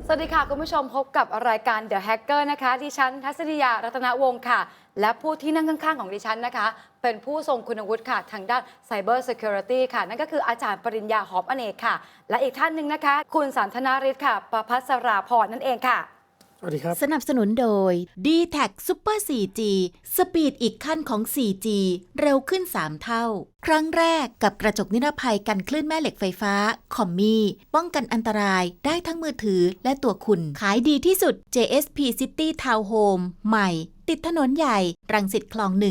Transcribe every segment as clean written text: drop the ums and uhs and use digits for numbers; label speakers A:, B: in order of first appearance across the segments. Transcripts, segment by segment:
A: วัสดีค่ะคุณผู้ชมพบกับรายการ The Hacker นะคะดิฉันทัศนียารัตนวงศ์ค่ะและผู้ที่นั่งข้างๆของดิฉันนะคะเป็นผู้ทรงคุณวุฒิค่ะทางด้าน Cyber Security ค่ะนั่นก็คืออาจารย์ปริญญาหอมอเนกค่ะและอีกท่านหนึ่งนะคะคุณสันทนาริศค่ะประภัสราพรนั่นเองค่ะ
B: สวัสดีครับ
C: สนับสนุนโดย D-Tag Super 4G สปีดอีกขั้นของ 4G เร็วขึ้น 3 เท่า ครั้งแรกกับกระจกนิรภัยกันคลื่นแม่เหล็กไฟฟ้า คอมมี่ป้องกันอันตรายได้ทั้งมือถือและตัวคุณ ขายดีที่สุด JSP City Town Home ใหม่ ติดถนนใหญ่ รังสิตคลอง1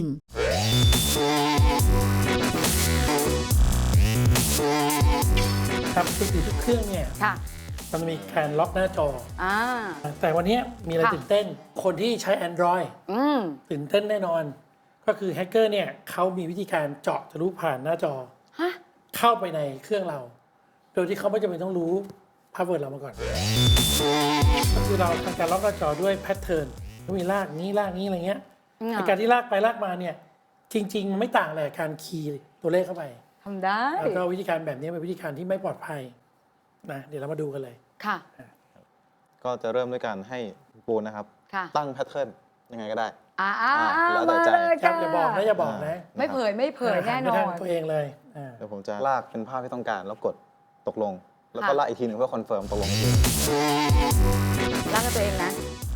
B: ครับทุกเครื่องเนี่ย
A: ค่ะ
B: มันมีการล็อกหน้าจอ
A: อ่า
B: แต่วันนี้มีอะไร
A: ค่ะ
B: ตื่นเต้น คนที่ใช้ Android ตื่นเต้นแน่นอน ก็คือแฮกเกอร์เนี่ยเขามีวิธีการเจาะทะลุผ่านหน้าจอ
A: ฮะ
B: เข้าไปในเครื่องเรา โดยที่เขาไม่จำเป็นต้องรู้พาสเวิร์ดเรามาก่อน ก็คือเราทำการล็อกหน้าจอด้วยแพทเทิร์นก็มีลากนี้ลากนี้อะไรเงี้ยในการที่ลากไปลากมาเนี่ยจริงๆมันไม่ต่างอะไรกับการคีย์ตัวเลขเข้าไป
A: ทำได้
B: แล้วก็วิธีการแบบนี้เป็นวิธีการที่ไม่ปลอดภัยนะเดี๋ยวเรามาดูกันเลย
A: ค่ะ
D: ก็จะเริ่มด้วยการให้ปูนนะครับ
A: ค่ะ
D: ตั้งแพทเทิร์นยังไงก็ได้
A: มา
D: แล้วแต่ใจ
A: เลย
B: ครับ
A: ค่ะ
B: อย่าบอกนะอย่าบอกนะ
A: ไม่เผยแน่นอ
B: หัไปทาง
A: น
B: ตัวเองเลย
D: เดี๋ยวผมจะลากเป็นภาพที่ต้องการแล้วกดตกลง แล้วก็
A: ค่ะ
D: ลากอีกทีหนึ่งเพื่อคอนเฟิร์มตกลงอีกที
A: ร่างกับตัวเองนะ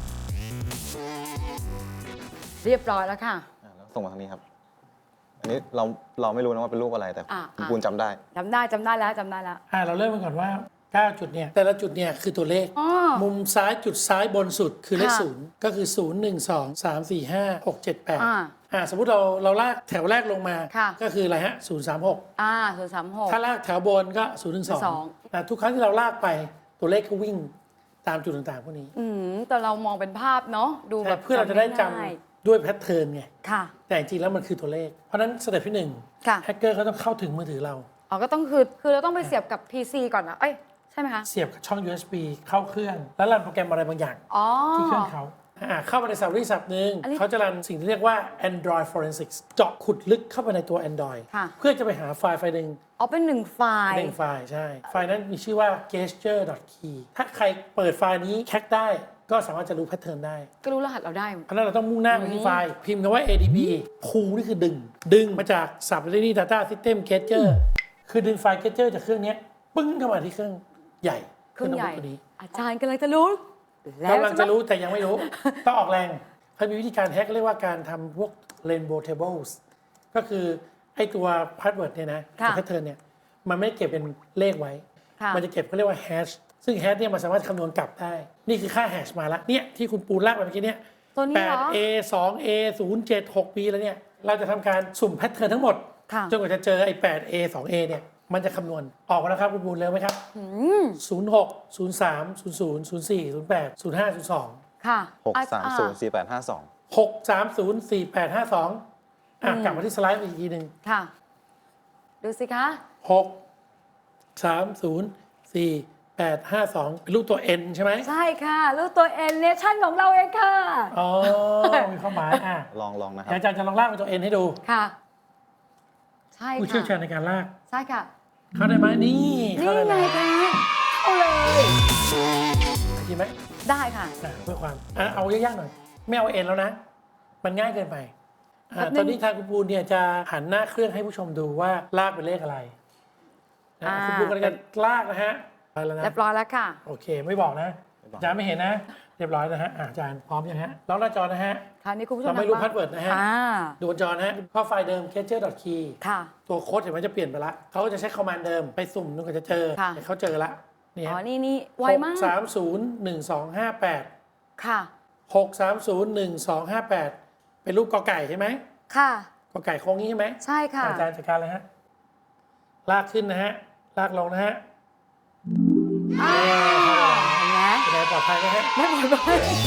A: เรียบร้อยแล้วค่ะ
D: แล้วส่งมาทางนี้ครับ อันนี้เราไม่รู้นะว่าเป็นรูปอะไรแต่คุณปูนจำได้
A: จำได้แล้วจำได้แล้ว
B: เราเริ่มกันก่อนว่า9จุดเนี่ยแต่ละจุดเนี่ยคือตัวเลข
A: อ๋อ
B: มุมซ้ายจุดซ้ายบนสุดคือเลข
A: ค่ะ
B: ศูนย์ก็คือ 0 1 2 3 4 5 6 7
A: อ่า
B: 8สมมุติเราลากแถวแรกลงมา
A: ค่ะ
B: ก็คืออะไรฮะ0 3 6
A: 036
B: ถ้าลากแถวบนก็0 1 2ทุกครั้งที่เราลากไปตัวเลขก็วิ่งตามจุดต่างๆพวกนี้
A: แต่เรามองเป็นภาพเนาะดูแบบ
B: เพื่อเราจะได้จ
A: ง่าย
B: ำด้วยแพทเทิร์นไง
A: ค่ะ
B: แต่จริงๆแล้วมันคือตัวเลข เพราะฉะนั้นสเต็ปที่
A: ค่ะ
B: 1แฮกเกอร์เขาต้องเข้าถึงมือถือเรา
A: อ๋อก็ต้องคือเราต้องไปเสียบกับ PC ก่อนนะเอ้ยใช่ไหมคะ
B: เสียบกับช่อง USB เข้าเครื่อง แล้วรันโปรแกรมอะไรบางอย่าง
A: อ๋อ
B: ที่เครื่องเขาเข้าไปในสับริษัทหนึ่ง
A: อันนี้
B: เขาจะรันสิ่งที่เรียกว่า Android Forensics เจาะขุดลึกเข้าไปในตัว Android
A: ค่ะ
B: เพื่อจะไปหาไฟล์หนึ่ง
A: อ๋อเป็น1 ไฟล์
B: ไฟล์ใช่ ไฟล์นั้นมีชื่อว่า gesture.key ถ้าใครเปิดไฟล์นี้แคคได้ก็สามารถจะรู้แพทเทิร์นได้
A: ก็รู้รหัสเราได้
B: เพราะฉะนั้นเราต้องมุ่งหน้าไปที่ไฟล์ พิมพ์คำว่า adb pull นี่คือดึงมาจาก Subsidiary Data System Gesture คือดึงไฟล์ Gesture จากเครื่องนี้ปึ้งเข้ามาที่เครื่องใหญ่
A: เครื่องใหญ่
B: โน้ตบุ๊กตัวนี้
A: อาจารย์กำลังจะรู้แล้ว
B: กำลังจะรู้
A: ใช่ไหม
B: แต่ยังไม่รู้ ต้องออกแรงเขามีวิธีการแฮกเรียกว่าการทำพวก rainbow tables ก็คือไอ้ตัวพาสเวิร์ดเนี่ยนะ
A: ค่ะ
B: แพทเทิร์นเนี่ยมันไม่ได้เก็บเป็นเลขไว้
A: ค่ะ
B: มันจะเก็บเขาเรียกว่าแฮชซึ่งแฮชเนี่ยมันสามารถคำนวณกลับได้ นี่คือค่าแฮชมาแล้วเนี่ยที่คุณปูนลากไปเมื่อกี้เนี่ย
A: ตัวนี้เหรอ
B: 8A 2A 0 7 6B แล้วเนี่ยเราจะทำการสุ่มแพทเทิร์นทั้งหมด
A: ค่ะ
B: จนกว่าจะเจอไอ้ 8A 2A เนี่ยมันจะคำนวณออกมาแล้วครับคุณปูนเร็วไหมครับ 06 03 00 04 08 05 02
A: ค่ะ
D: 6304852
B: 6304852กลับมาที่สไลด์อีกทีหนึ่ง
A: ค่ะ ดูสิคะ
B: 6304852เป็นรูปตัว N ใช่ไหม
A: ใช่ค่ะรูปตัว N เนชั่นของเราเองค่ะ
B: อ๋อ มีความหมาย
D: ลองนะครั
B: อาจารย์จะลองลากเป็นตัว N ให้ดู
A: ค่ะ ใช่
B: ผู้เชี่ยวชา
A: ค่ะ
B: ญในการลาก
A: ใช่ค่ะ
B: เข้าได้ไหมนี่
A: นี่
B: เข้าได้
A: ไง
B: ไหม
A: คะเอาเลย
B: จริงไหม
A: ได้ค่ะ
B: เพื่อความเอายากๆหน่อย ไม่เอา N แล้วนะ มันง่ายเกินไป
A: แป๊บนึง
B: ตอนนี้ทางคุณปูนเนี่ยจะหันหน้าเครื่องให้ผู้ชมดูว่าลากเป็นเลขอะไรคุณปูนกำลังจะลากนะฮะไปแล้วนะ
A: เรียบร้อยแล้วค่ะ
B: โอเค ไม่บอกนะอาจารย์ไม่เห็นนะ เรียบร้อยนะฮะอาจารย์พร้อมยังฮะล็อกหน้าจอนะฮะ
A: คราวนี้คุณผู้ชม
B: เราไม่รู้
A: ทงบ้น
B: password นะฮะ ดูบนจอนะฮะเข้าไฟล์เดิม gesture.key
A: ค่ะ
B: ตัวโค้ดเห็นมันจะเปลี่ยนไปละเขาก็จะใช้คอมมานด์เดิมไปสุ่มจนกว่าจะเจอ
A: ค่ะ
B: แต่เขาเจอละนี่
A: อ๋อ
B: ฮะ
A: นี่ไวมาก
B: 6301258
A: ค่ะ
B: 6301258 เป็นรูปกอไก่ใช่ไหม
A: ค่ะ
B: กอไก่โค้งนี้ใช่ไหม
A: ใช่ค่ะ
B: อาจารย์จัดการเลยฮะลากขึ้นนะฮะลากลงนะฮะ
A: เห็นไหม
B: เป็นไงปลอดภัยไหมฮะ
A: ไม่หมดเลย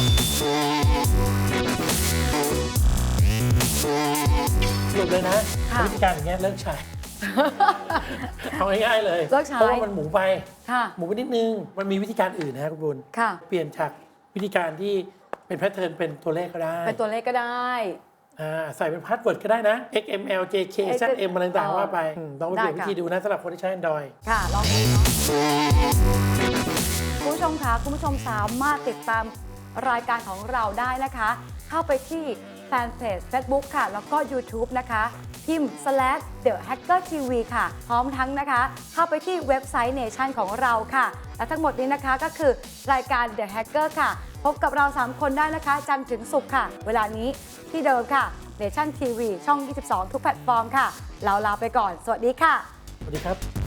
B: สรุปเลยนะ
A: ค่ะ
B: วิธีการอย่างเงี้ยเลิกใช้ เอาง่ายๆเลย
A: เลิกใช้
B: เพราะว่ามันหมูไป
A: ค่ะ
B: หมูไปนิดนึง มันมีวิธีการอื่นนะคุณบุญ
A: ค่ะ
B: เปลี่ยนจากวิธีการที่เป็นแพทเทิร์นเป็นตัวเลขก็ได้
A: เป็นตัวเลขก็ได้
B: ใส่เป็นพาสเวิร์ดก็ได้นะ XML JK ZM อะไรต่างๆว่าไปต้องไปเปลี่ยนวิธีดูนะสำหรับคนที่ใช้ Android
A: ค่ะ ลองดูเนาะคุณผู้ชมคะคุณผู้ชมสามารถติดตามรายการของเราได้นะคะ เข้าไปที่แฟนเพจ Facebook ค่ะ แล้วก็ YouTube นะคะพิมพ์ /The Hacker TV ค่ะ พร้อมทั้งนะคะ เข้าไปที่เว็บไซต์ Nation ของเราค่ะ และทั้งหมดนี้นะคะก็คือรายการ The Hacker ค่ะ พบกับเรา 3 คนได้นะคะ จันทร์ถึงศุกร์ค่ะ เวลานี้ที่เดิมค่ะ Nation TV ช่อง 22 ทุกแพลตฟอร์มค่ะ เราลาไปก่อน สวัสดีค่ะ
B: สวัสดีครับ